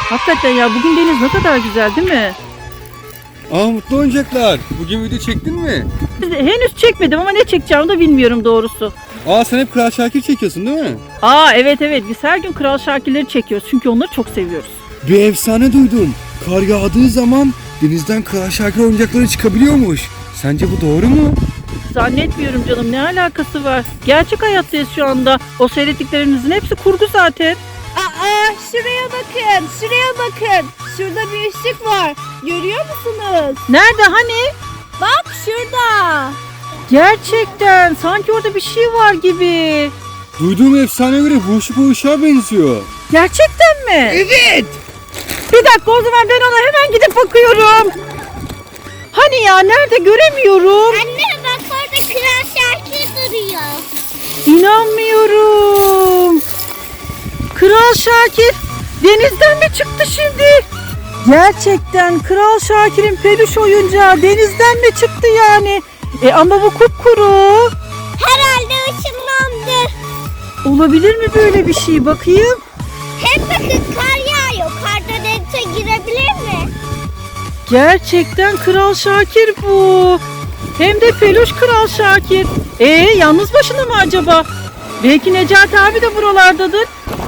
Hakikaten ya, bugün deniz ne kadar güzel değil mi? Mutlu oyuncaklar. Bugün video çektin mi? Henüz çekmedim ama ne çekeceğimi de bilmiyorum doğrusu. Sen hep Kral Şakir çekiyorsun değil mi? Evet biz her gün Kral Şakirleri çekiyoruz çünkü onları çok seviyoruz. Bir efsane duydum. Kar yağdığı zaman denizden Kral Şakir oyuncakları çıkabiliyormuş. Sence bu doğru mu? Zannetmiyorum canım, ne alakası var? Gerçek hayattayız şu anda. O seyrettiklerinizin hepsi kurgu zaten. Şuraya bakın, şuraya bakın. Şurada bir ışık var. Görüyor musunuz? Nerede hani? Bak şurada. Gerçekten sanki orada bir şey var gibi. Duyduğum efsaneye göre bu ışık o ışığa benziyor. Gerçekten mi? Evet. Bir dakika, o zaman ben ona hemen gidip bakıyorum. Hani ya, nerede, göremiyorum. Anne bak orada Kral Şakir duruyor. İnanmıyorum. Kral Şakir denizden mi çıktı şimdi? Gerçekten Kral Şakir'in peluş oyuncağı denizden mi çıktı yani? Ama bu kupkuru. Herhalde ışınlandı. Olabilir mi böyle bir şey, bakayım? Hem bakın kar yağıyor. Karda denize girebilir mi? Gerçekten Kral Şakir bu. Hem de peluş Kral Şakir. Yalnız başına mı acaba? Belki Necati abi de buralardadır.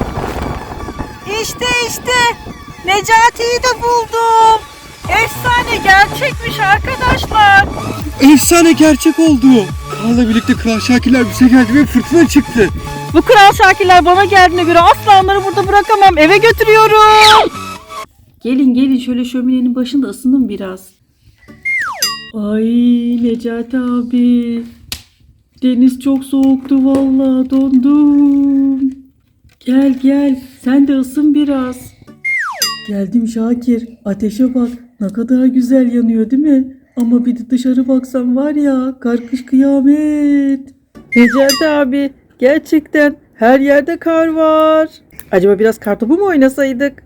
İşte Necati'yi de buldum. Efsane gerçekmiş arkadaşlar. Efsane gerçek oldu. Karla birlikte Kral Şakirler bize geldi ve fırtına çıktı. Bu Kral Şakirler bana geldiğine göre asla onları burada bırakamam. Eve götürüyorum. Gelin şöyle şöminenin başında ısının biraz. Ay Necati abi. Deniz çok soğuktu vallahi, dondum. Gel sen de ısın biraz. Geldim Şakir. Ateşe bak, ne kadar güzel yanıyor değil mi? Ama bir de dışarı baksam var ya, kar kış kıyamet. Necati abi, gerçekten her yerde kar var. Acaba biraz kartopu mu oynasaydık?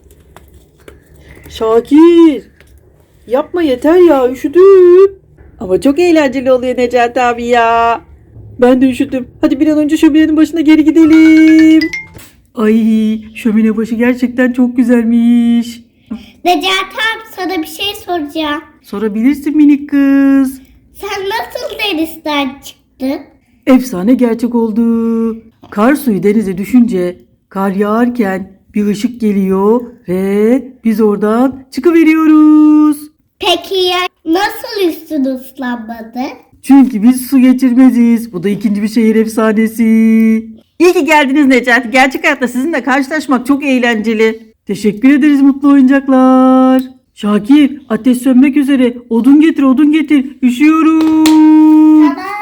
Şakir, yapma yeter ya, üşüdüm. Ama çok eğlenceli oluyor Necati abi ya. Ben de üşüdüm. Hadi bir an önce şöminenin başına geri gidelim. Ay, şömine başı gerçekten çok güzelmiş. Necati abi sana bir şey soracağım. Sorabilirsin minik kız. Sen nasıl denizden çıktın? Efsane gerçek oldu. Kar suyu denize düşünce, kar yağarken bir ışık geliyor ve biz oradan çıkıveriyoruz. Peki ya nasıl üstün ıslanmadı? Çünkü biz su geçirmeziz. Bu da ikinci bir şehir efsanesi. İyi ki geldiniz Necati. Gerçek hayatta sizinle karşılaşmak çok eğlenceli. Teşekkür ederiz mutlu oyuncaklar. Şakir, ateş sönmek üzere. Odun getir. Üşüyorum. Tamam.